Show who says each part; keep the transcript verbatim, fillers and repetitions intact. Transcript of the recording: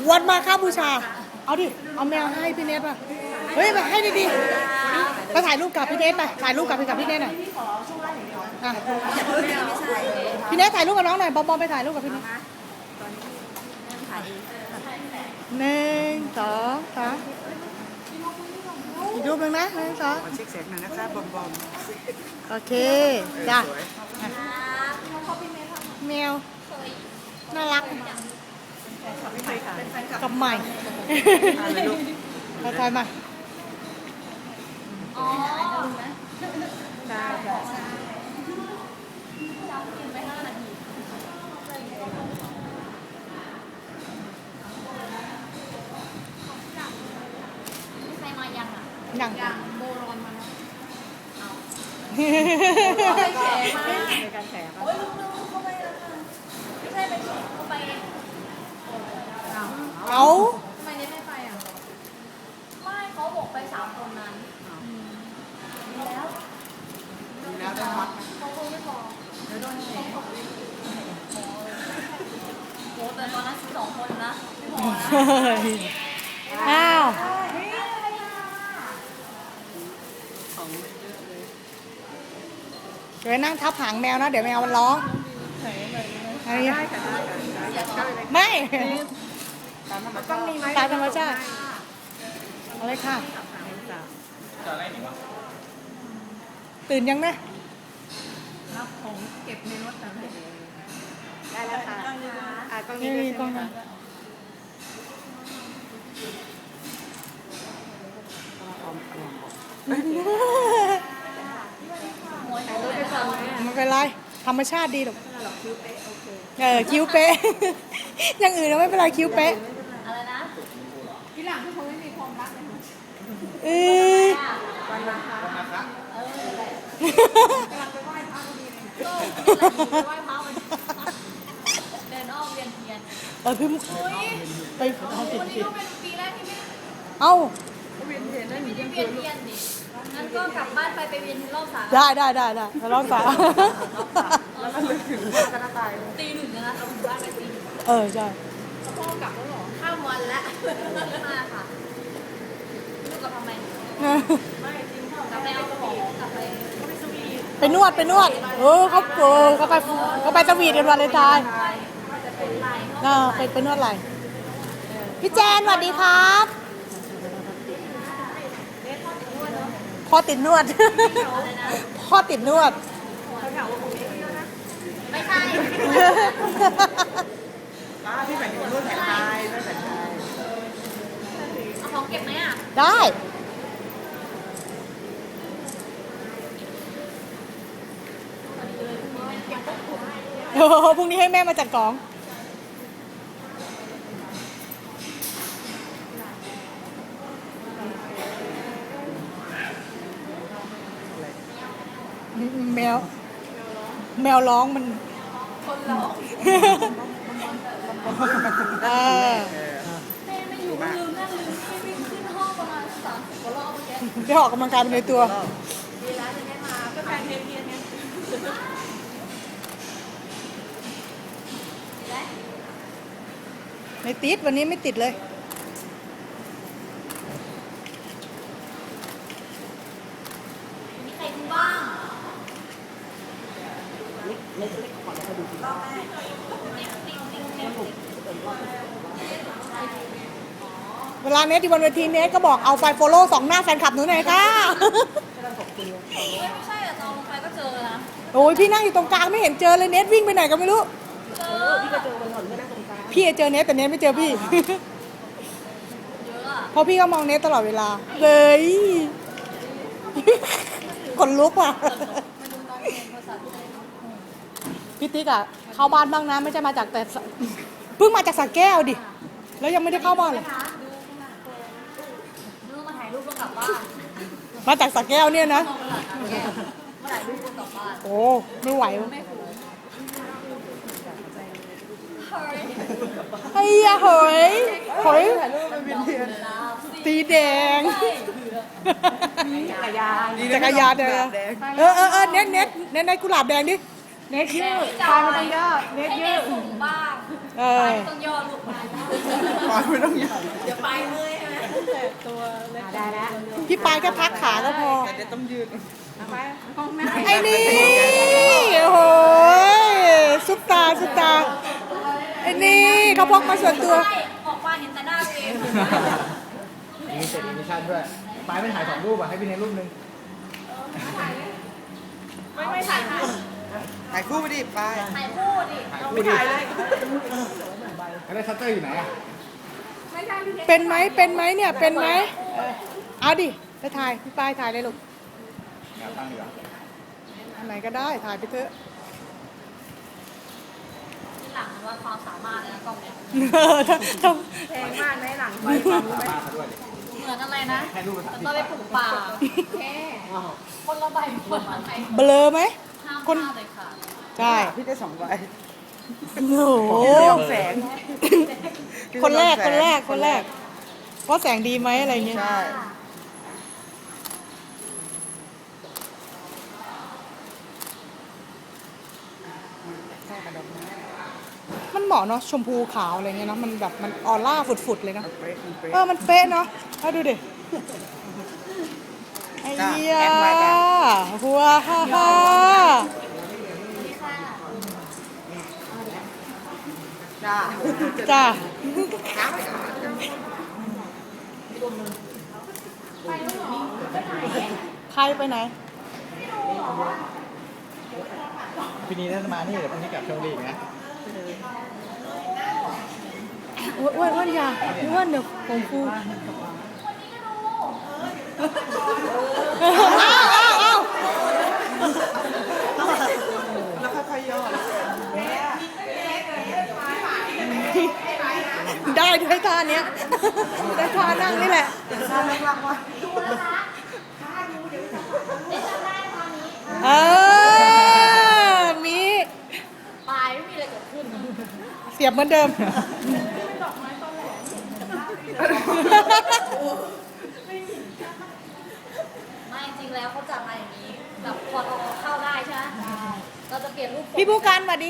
Speaker 1: วันมาค่าบูชาเอาดิเอาแมวให้พี่เนทป่ะเฮ้ยมาให้ดีๆไปถ่ายรูปกับพี่เนทไปถ่ายรูปกับพี่กับพี่เนทหน่อยอ่ะพี่เนทถ่ายรูปกับน้องหน่อยบอมบอมไปถ่ายรูปกับพี่เนทหนึ่งสองสามอีกรูปหนึ่งนะหนึ่งสอง
Speaker 2: เช็คเสียงหน่อยนะคะบอมบอม
Speaker 1: โอเคจ้ะแมวน่ารักกับใหม่ไปถ่ายมา
Speaker 3: อ๋อ
Speaker 2: ได้ค่ะ
Speaker 3: ใครมายังอ่ะ
Speaker 1: หนัง
Speaker 3: ยังโบรอนมาแล้ว
Speaker 2: ในการแฉ
Speaker 3: โอ้ยลุงๆเข้าไปแล้วค่ะไม่ใช่ไปเข้าไป
Speaker 1: เอา
Speaker 3: ทำไมเน็ตไม่ไปอ่ะไม่เขาบอกไปสามคนนั้นแล้ว
Speaker 2: แล้วได้ฮอต
Speaker 3: เขาคงไม่พอเดี๋ยวโดนแฉโหแต่ตอนนั้นสิบสองคนนะไม่พอนะ
Speaker 1: อ้าวเดี๋ยวนั่งทับหางแมวนะเดี๋ยวแมวมันร้องอะไรอย่างเงี้ยไม่ตามธรรมชาติเอาเลยค่ะตื่นยังนะ
Speaker 2: รับของเก็บในรถนะได้แล้วค่ะอ่ะกล้องนี้
Speaker 1: นี่
Speaker 2: ด้วย
Speaker 1: กล้อง
Speaker 2: ใช่ไหม
Speaker 1: นั้น ไม่เป็นไรธรรมชาติดีหรอกเออคิ้วเป๊ะ อย่างอื่นเราไม่เป็นไรคิ้วเป๊ะ
Speaker 3: อะไรนะ
Speaker 2: ที่หลังที่เขาไม่มีความรักเลยนะ
Speaker 1: เอ้ย
Speaker 2: วันมาค่ะ
Speaker 3: เออแหละ
Speaker 2: กำลังไปไหว้พระพอดีเลย
Speaker 3: ก็ไปไหว้พระมันเดินอ้อมเวียนเทียน
Speaker 1: เออพี่มุก
Speaker 3: เฮ้ย
Speaker 1: ไปเอาผิด
Speaker 3: วันนี้
Speaker 1: ผิด
Speaker 3: ก็เป็นปีแรกที่ไม่
Speaker 1: เอ้า
Speaker 2: เวียนเทียนได้หนี
Speaker 3: ไม่
Speaker 2: ยัง
Speaker 3: เวียนเทียนดิงั้นก็กลับบ้านไปไปเวียนเทียนรอบสาม
Speaker 1: ได้ได้ได้ได้แล้วเราสา
Speaker 2: แล้วก็ลึกถึงพระตายเลย
Speaker 3: ตีหนึ่งนะเราถึงบ้านไปตีหนึ่ง
Speaker 1: เออใช่
Speaker 3: พ่อกลับแล้วหรอข้ามวันแล้วมาค่ะลูกกลับทำไมกลับไปเอาของกลับไป
Speaker 1: ไปนวดไปนวดเออเขาเออเขาไปเขาไปสวีทกันวันเลยตาย
Speaker 3: จะเป็นลาย
Speaker 1: เออไปไปนวดอะไรพี่แจนสวัสดีครับพ่อติดนวด พ่อติดนวด
Speaker 3: ไม่ใช่
Speaker 2: ป้าพี่หมายถึงรุ่นแผนไทยรุ่นแผนไทย
Speaker 3: เอาของเก็บไหมอ่ะ
Speaker 1: ได้โอ้โหพรุ่งนี้ให้แม่มาจัดของแมวแมวร้องมัน
Speaker 3: คนร้อง
Speaker 1: เออ
Speaker 3: แม่ไม่อยู่ลืมนั่นลืมไม่วิ่งขึ้นห้องประมาณสามสิบกว่ารอบเมื่อกี้
Speaker 1: ได้ออกกำลังกายไปในตัว
Speaker 3: ดีแล้วจะได้มาก็แฟนเทียนเทียนไงและ
Speaker 1: ไม่ติดวันนี้ไม่ติดเลย
Speaker 3: มีใครดูบ้าง
Speaker 1: เวลาเนทที่บนเวทีเนทก็บอกเอาไฟโฟโล่สองหน้าแฟนคลับหนูหน่อยค่ะ
Speaker 3: ไม่ใช่อะตอนลงไปก็เจอนะ
Speaker 1: โอ้ยพี่นั่งอยู่ตรงกลางไม่เห็นเจอเลยเนทวิ่งไปไหนก็ไม่รู้
Speaker 3: เจอ
Speaker 2: พี่ก็เจอวันก่อนก็นั่งตรงกลาง
Speaker 1: พี่เจอเนทแต่เนทไม่เจอพี่
Speaker 3: เยอะอะ
Speaker 1: เพราะพี่ก็มองเนทตลอดเวลาเลยคนลุกว่ะ
Speaker 3: มาดูตอนเรียนภาษาไทย
Speaker 1: พี่ติ๊กอะเข้าบ้านบ้างนะไม่ใช่มาจากแต่สเพิ่งมาจากสระแก้วดิแล้วยังไม่ได้เข้าบ้านเลย
Speaker 3: ดูข้างหน้าดูมาถ่ายรูปแล้วกลับบ้าน
Speaker 1: มาจากสระแก้วเนี่ยนะ
Speaker 3: มองตลาดแก้วมาถ่ายรูปแล้วกลับบ้าน
Speaker 1: โอ้ไม่ไหว
Speaker 3: ไม่คุ้มเฮ้ย
Speaker 1: ไอ้ยาเฮ้ยเฮ้ย
Speaker 2: ถ่ายรูปเป็นเวียนเทียน
Speaker 1: สีแดง
Speaker 2: จักรยาน
Speaker 1: จักรยานเด้อเออเออเออเน็ตเน็ตเน็ตในกุหลาบแดงดิเน็ตยืด
Speaker 3: จ
Speaker 1: พามาตรงยอดเน็ต
Speaker 3: ให้
Speaker 1: ยื
Speaker 3: เด็
Speaker 1: ด
Speaker 3: กสูงบ้าง
Speaker 1: เเอ
Speaker 3: ไป
Speaker 1: อ
Speaker 3: ต้องย่อลูกไป
Speaker 2: ปอยไม่ต้องยาว
Speaker 3: เดี๋ยวไปเมื่อยใช่ไหม
Speaker 2: แต่ตัวเล็ก
Speaker 3: ได้แล้ว
Speaker 1: พี่ปายก็พักขาก็พอ
Speaker 2: แต่เดี๋ยวต้องยืดเอาไปกล้องหน้า
Speaker 1: ไอ้นี่โอ้โหซุปตาซุปตาไอ้นี่เขาพกมาส่วนตัว
Speaker 3: ใช่ออกมาเห็นแต่หน้าตัวเอง
Speaker 4: มีเสร็จมิชชั่นด้วยปลายไม่ถ่ายสองรูปอ่ะให้พี่เนทรูปหนึง
Speaker 3: ไม่ไม่ถ่ายถ่าย
Speaker 2: ถ่ายคู่ไปดิไป
Speaker 3: ถ่ายคู่ดิ
Speaker 4: ถ่ายคู่ดิแล้วได้ชัตเตอร์อยู่ไหนอ่ะ
Speaker 3: ไม่ใช่พี่เพชร
Speaker 1: เป็นไหมเป็นไหมเนี่ยเป็นไหมเออเอาดิไปถ่ายพี่ปายถ่ายเลยลูก
Speaker 4: แนวตั้งดีกว่า
Speaker 1: อันไหนก็ได้ถ่ายไปเถอะ
Speaker 3: หลังว่าความสามารถเลยนะกล้องเนี้ย
Speaker 1: เออถ้าถ้า
Speaker 2: แพงมากในหลังไป
Speaker 4: สามารถเขาด้วยดิ
Speaker 3: เหมือนอะไรนะ
Speaker 4: ให้รูปภาษา
Speaker 3: มัน
Speaker 4: ที่
Speaker 3: ต้องไปปลูกป่าแค่คนละใบคนละใบ
Speaker 1: เบลอไหม
Speaker 3: ห้าม
Speaker 1: คน
Speaker 3: พลาดเลยค่ะ
Speaker 1: ใช่
Speaker 2: พี่ได้สองใบ
Speaker 1: โอ้โห
Speaker 2: แสง
Speaker 1: คนแรกคนแรกคนแรกว่าแสงดีไหมอะไรเงี้ย
Speaker 2: ใช่
Speaker 1: มันเหมาะเนาะชมพูขาวอะไรเงี้ยเนาะมันแบบมันออร่าฝุดๆเลยเนาะ
Speaker 2: เป๊ะมันเป๊ะ
Speaker 1: เออมันเป๊ะเนาะเอาดูดิไอ้เหี้ย
Speaker 2: แอดไว้จ้ะ
Speaker 1: หัวฮ่าฮ่า
Speaker 2: จ้า
Speaker 1: จ้าใครไปไหน
Speaker 4: พี่นีน่าจะมานี่เดี๋ยวพรุ่งนี้กลับชลบุรีอีกนะ
Speaker 1: อ้วนอ้วนอ้วนอยาอ้วนเดี๋ยวผมฟูอ้าวอ้าวอ้าว
Speaker 2: แล้วค่อยๆย่อ
Speaker 1: ได้ด้วยท่าเนี้ยได้ท่านั่งนี่แหละ
Speaker 2: ข้างล่างว่า
Speaker 1: เออมี
Speaker 3: ปลายไม่มีอะไรเกิดขึ้น
Speaker 1: เสียบเหมือนเดิม
Speaker 3: ไม่จริงแล้วเขาจัดมาอย่างนี้แบบพอเราเข้าได้ใช่ไหมเราจะเปลี่ยนรูป
Speaker 1: พี่ผู้การสวัสดี